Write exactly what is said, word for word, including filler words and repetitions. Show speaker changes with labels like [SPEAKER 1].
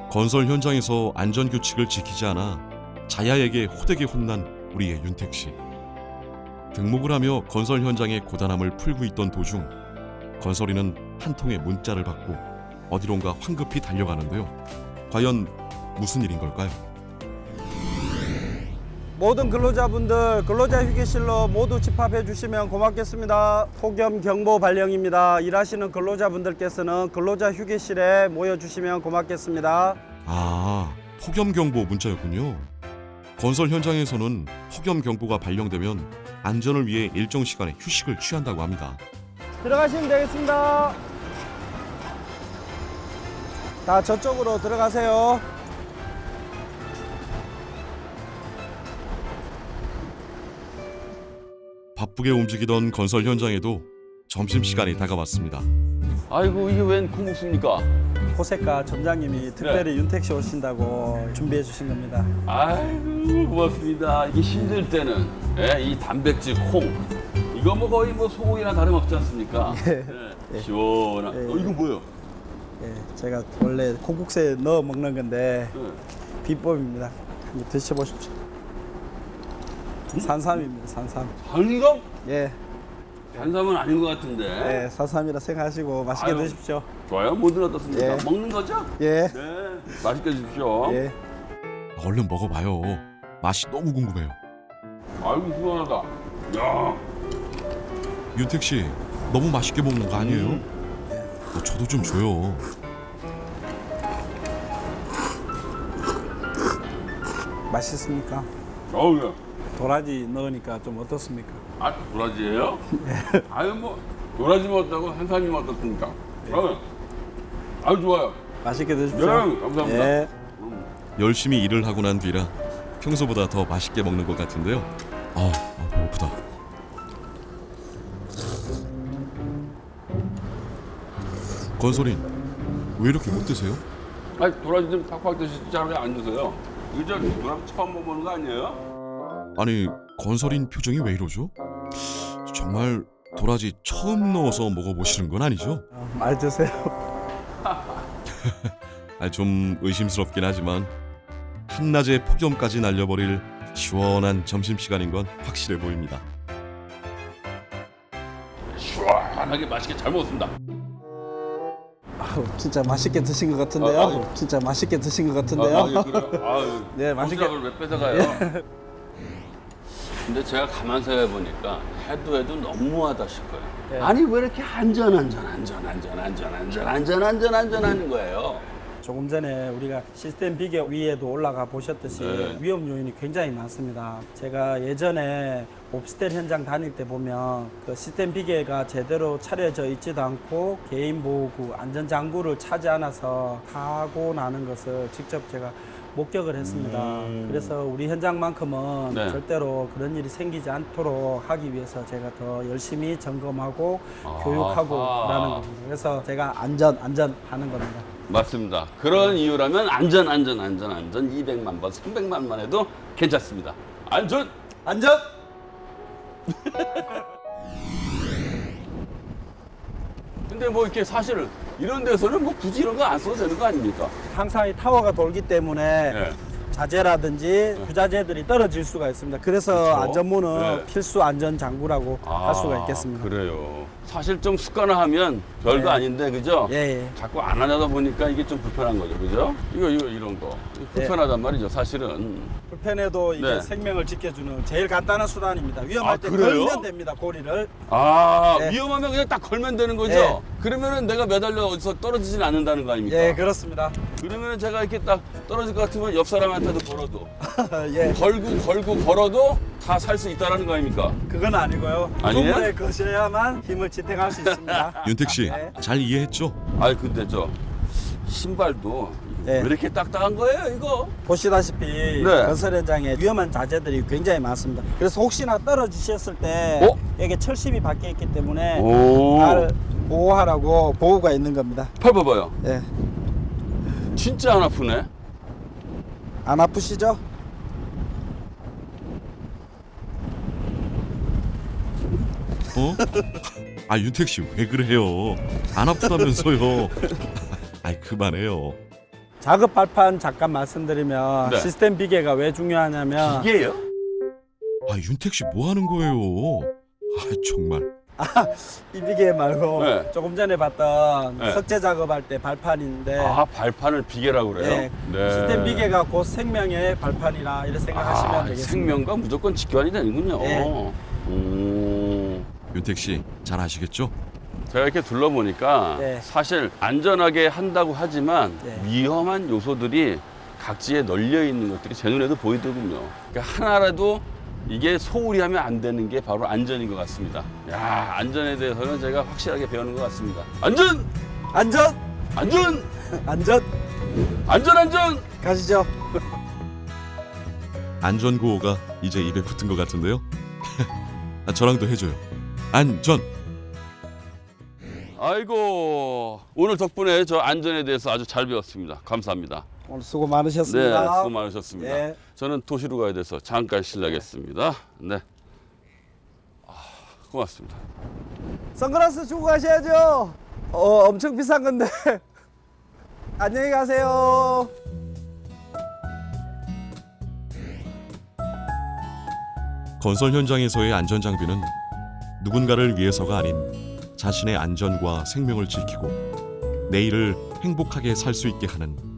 [SPEAKER 1] 건설 현장에서 안전규칙을 지키지 않아 자야에게 호되게 혼난 우리의 윤택 씨. 등목을 하며 건설 현장의 고단함을 풀고 있던 도중 건설이는 한 통의 문자를 받고 어디론가 황급히 달려가는데요. 과연 무슨 일인 걸까요?
[SPEAKER 2] 모든 근로자분들 근로자 휴게실로 모두 집합해 주시면 고맙겠습니다. 폭염 경보 발령입니다. 일하시는 근로자분들께서는 근로자 휴게실에 모여 주시면 고맙겠습니다.
[SPEAKER 1] 아, 폭염경보 문자였군요. 건설 현장에서는 폭염경보가 발령되면 안전을 위해 일정 시간의 휴식을 취한다고 합니다.
[SPEAKER 2] 들어가시면 되겠습니다. 다 저쪽으로 들어가세요.
[SPEAKER 1] 바쁘게 움직이던 건설 현장에도 점심시간이 다가왔습니다.
[SPEAKER 3] 아이고 이게 웬 콩국수입니까?
[SPEAKER 2] 호세카 점장님이 특별히 윤택 씨 오신다고 준비해 주신 겁니다.
[SPEAKER 3] 아이고 고맙습니다. 이게 힘들 때는 예, 이 단백질 콩 이거 뭐 거의 뭐 소고기나 다름없지 않습니까?
[SPEAKER 2] 예.
[SPEAKER 3] 예, 시원한.
[SPEAKER 2] 예.
[SPEAKER 3] 어, 이거 뭐예요?
[SPEAKER 2] 예, 제가 원래 콩국수에 넣어 먹는 건데
[SPEAKER 3] 예.
[SPEAKER 2] 비법입니다. 한번 드셔보십시오. 산삼입니다. 산삼.
[SPEAKER 3] 한삼?
[SPEAKER 2] 예,
[SPEAKER 3] 한삼은 아닌 것 같은데.
[SPEAKER 2] 예, 산삼이라 생각하시고 맛있게
[SPEAKER 3] 아유.
[SPEAKER 2] 드십시오.
[SPEAKER 3] 좋아요. 뭐든 어떻습니까?
[SPEAKER 2] 예.
[SPEAKER 3] 먹는 거죠?
[SPEAKER 2] 예,
[SPEAKER 3] 네. 맛있게 드십시오.
[SPEAKER 2] 예.
[SPEAKER 1] 얼른 먹어봐요. 맛이 너무 궁금해요.
[SPEAKER 3] 아이고 시원하다. 야.
[SPEAKER 1] 윤택 씨, 너무 맛있게 먹는 거 아니에요?
[SPEAKER 3] 음.
[SPEAKER 1] 어, 저도 좀 줘요.
[SPEAKER 2] 맛있습니까?
[SPEAKER 3] 어우 야.
[SPEAKER 2] 도라지 넣으니까 좀 어떻습니까?
[SPEAKER 3] 아 도라지예요? 아유 뭐 도라지 먹었다고 한삼이 먹었습니까? 어. 아유 좋아요.
[SPEAKER 2] 맛있게 드십시오.
[SPEAKER 3] 네, 감사합니다.
[SPEAKER 2] 예.
[SPEAKER 1] 열심히 일을 하고 난 뒤라 평소보다 더 맛있게 먹는 것 같은데요. 아, 아 배고프다. 건설인, 왜 이렇게 못 드세요?
[SPEAKER 3] 아니 도라지 좀 팍팍 드시지 왜 안 드세요? 이거 저 도라지 처음 먹어보는 거 아니에요?
[SPEAKER 1] 아니, 건설인 표정이 왜 이러죠? 정말 도라지 처음 넣어서 먹어보시는 건 아니죠?
[SPEAKER 2] 어, 많이 드세요.
[SPEAKER 1] 아, 좀 의심스럽긴 하지만 한낮에 폭염까지 날려버릴 시원한 점심시간인 건 확실해 보입니다.
[SPEAKER 3] 시원하게 맛있게 잘 먹었습니다.
[SPEAKER 2] 아우, 진짜 맛있게 드신 것 같은데요.
[SPEAKER 3] 아, 아,
[SPEAKER 2] 진짜 맛있게 드신 것 같은데요.
[SPEAKER 3] 아, 아, 예, 그래요? 아유,
[SPEAKER 2] 네, 맛있게-
[SPEAKER 3] 도시락을 왜 뺏어가요? 근데 제가 가만 생각해 보니까 해도 해도 너무하다 싶어요.
[SPEAKER 2] 네.
[SPEAKER 3] 아니 왜 이렇게 안전 안전 안전 안전 안전 안전 안전 안전 안전하는 거예요?
[SPEAKER 2] 조금 전에 우리가 시스템 비교 위에도 올라가 보셨듯이
[SPEAKER 3] 네.
[SPEAKER 2] 위험 요인이 굉장히 많습니다. 제가 예전에 오피스텔 현장 다닐 때 보면 그 시스템 비계가 제대로 차려져 있지도 않고 개인 보호구, 안전 장구를 차지 않아서 타고 나는 것을 직접 제가 목격을 했습니다.
[SPEAKER 3] 음.
[SPEAKER 2] 그래서 우리 현장만큼은
[SPEAKER 3] 네.
[SPEAKER 2] 절대로 그런 일이 생기지 않도록 하기 위해서 제가 더 열심히 점검하고
[SPEAKER 3] 아하.
[SPEAKER 2] 교육하고 라는 겁니다. 그래서 제가 안전, 안전 하는 겁니다.
[SPEAKER 3] 맞습니다. 그런 이유라면 안전 안전 안전 안전 이백만 번 삼백만 번 해도 괜찮습니다. 안전
[SPEAKER 2] 안전!
[SPEAKER 3] 근데 뭐 이렇게 사실 이런 데서는 뭐 굳이 이런 거 안 써도 되는 거 아닙니까?
[SPEAKER 2] 항상 이 타워가 돌기 때문에
[SPEAKER 3] 네.
[SPEAKER 2] 자재라든지 부자재들이 떨어질 수가 있습니다. 그래서
[SPEAKER 3] 그렇죠.
[SPEAKER 2] 안전문은
[SPEAKER 3] 네.
[SPEAKER 2] 필수 안전 장구라고 할 수가 있겠습니다.
[SPEAKER 3] 그래요. 사실 좀 습관화하면 별거
[SPEAKER 2] 네.
[SPEAKER 3] 아닌데 그죠?
[SPEAKER 2] 예, 예.
[SPEAKER 3] 자꾸 안 하다 보니까 이게 좀 불편한 거죠, 그죠? 이거 이거 이런 거 이거 불편하단 말이죠, 사실은.
[SPEAKER 2] 불편해도 이게
[SPEAKER 3] 네.
[SPEAKER 2] 생명을 지켜주는 제일 간단한 수단입니다. 위험할
[SPEAKER 3] 아,
[SPEAKER 2] 때
[SPEAKER 3] 그래요?
[SPEAKER 2] 걸면 됩니다. 고리를.
[SPEAKER 3] 아
[SPEAKER 2] 네.
[SPEAKER 3] 위험하면 그냥 딱 걸면 되는 거죠?
[SPEAKER 2] 네.
[SPEAKER 3] 그러면은 내가 매달려 어디서 떨어지진 않는다는 거 아닙니까?
[SPEAKER 2] 예, 그렇습니다.
[SPEAKER 3] 그러면은 제가 이렇게 딱 떨어질 것 같으면 옆 사람한테도 걸어도
[SPEAKER 2] 예,
[SPEAKER 3] 걸고 걸고 걸어도 다 살 수 있다라는 거 아닙니까?
[SPEAKER 2] 그건 아니고요.
[SPEAKER 3] 아니에요?
[SPEAKER 2] 충분히 거셔야만 힘을 지탱할 수 있습니다.
[SPEAKER 1] 윤택 씨,
[SPEAKER 2] 네.
[SPEAKER 1] 잘 이해했죠?
[SPEAKER 3] 아니 근데 저 신발도
[SPEAKER 2] 네.
[SPEAKER 3] 왜 이렇게 딱딱한 거예요, 이거?
[SPEAKER 2] 보시다시피
[SPEAKER 3] 네.
[SPEAKER 2] 건설 현장에 위험한 자재들이 굉장히 많습니다. 그래서 혹시나 떨어지셨을 때
[SPEAKER 3] 어?
[SPEAKER 2] 여기 철심이 박혀 있기 때문에
[SPEAKER 3] 오.
[SPEAKER 2] 나를 보호하라고 보호가 있는 겁니다.
[SPEAKER 3] 팔 봐봐요.
[SPEAKER 2] 예,
[SPEAKER 3] 진짜 안 아프네.
[SPEAKER 2] 안 아프시죠?
[SPEAKER 1] 어? 아, 윤택 씨 왜 그래요? 안 아프다면서요? 아이, 그만해요.
[SPEAKER 2] 작업 발판 잠깐 말씀드리면
[SPEAKER 3] 네.
[SPEAKER 2] 시스템 비계가 왜 중요하냐면
[SPEAKER 3] 이게요?
[SPEAKER 1] 아 윤택 씨 뭐 하는 거예요? 아 정말.
[SPEAKER 2] 이 비계 말고
[SPEAKER 3] 네.
[SPEAKER 2] 조금 전에 봤던
[SPEAKER 3] 네.
[SPEAKER 2] 석재 작업할 때 발판인데
[SPEAKER 3] 아 발판을 비계라고 그래요?
[SPEAKER 2] 네. 시스템 비계가 곧 생명의 발판이라 이렇게 생각하시면
[SPEAKER 3] 아,
[SPEAKER 2] 되겠습니다.
[SPEAKER 3] 생명과 무조건 직관이 되는군요.
[SPEAKER 2] 네.
[SPEAKER 3] 오.
[SPEAKER 1] 윤택 씨 잘 아시겠죠?
[SPEAKER 3] 제가 이렇게 둘러보니까
[SPEAKER 2] 네.
[SPEAKER 3] 사실 안전하게 한다고 하지만
[SPEAKER 2] 네.
[SPEAKER 3] 위험한 요소들이 각지에 널려 있는 것들이 제 눈에도 보이더군요. 그러니까 하나라도 이게 소홀히 하면 안 되는 게 바로 안전인 것 같습니다. 야, 안전에 대해서는 제가 확실하게 배우는 것 같습니다. 안전!
[SPEAKER 2] 안전!
[SPEAKER 3] 안전!
[SPEAKER 2] 안전!
[SPEAKER 3] 안전, 안전!
[SPEAKER 2] 가시죠.
[SPEAKER 1] 안전구호가 이제 입에 붙은 것 같은데요. 아, 저랑도 해줘요. 안전.
[SPEAKER 3] 아이고, 오늘 덕분에 저 안전에 대해서 아주 잘 배웠습니다. 감사합니다.
[SPEAKER 2] 오늘 수고
[SPEAKER 3] 네,
[SPEAKER 2] 많으셨습니다.
[SPEAKER 3] 수고 많으셨습니다.
[SPEAKER 2] 네.
[SPEAKER 3] 저는 도시로 가야 돼서 잠깐 실례하겠습니다. 네. 아, 고맙습니다.
[SPEAKER 2] 선글라스 주고 가셔야죠. 어, 엄청 비싼 건데. 안녕히 가세요.
[SPEAKER 1] 건설 현장에서의 안전 장비는 누군가를 위해서가 아닌 자신의 안전과 생명을 지키고 내일을 행복하게 살 수 있게 하는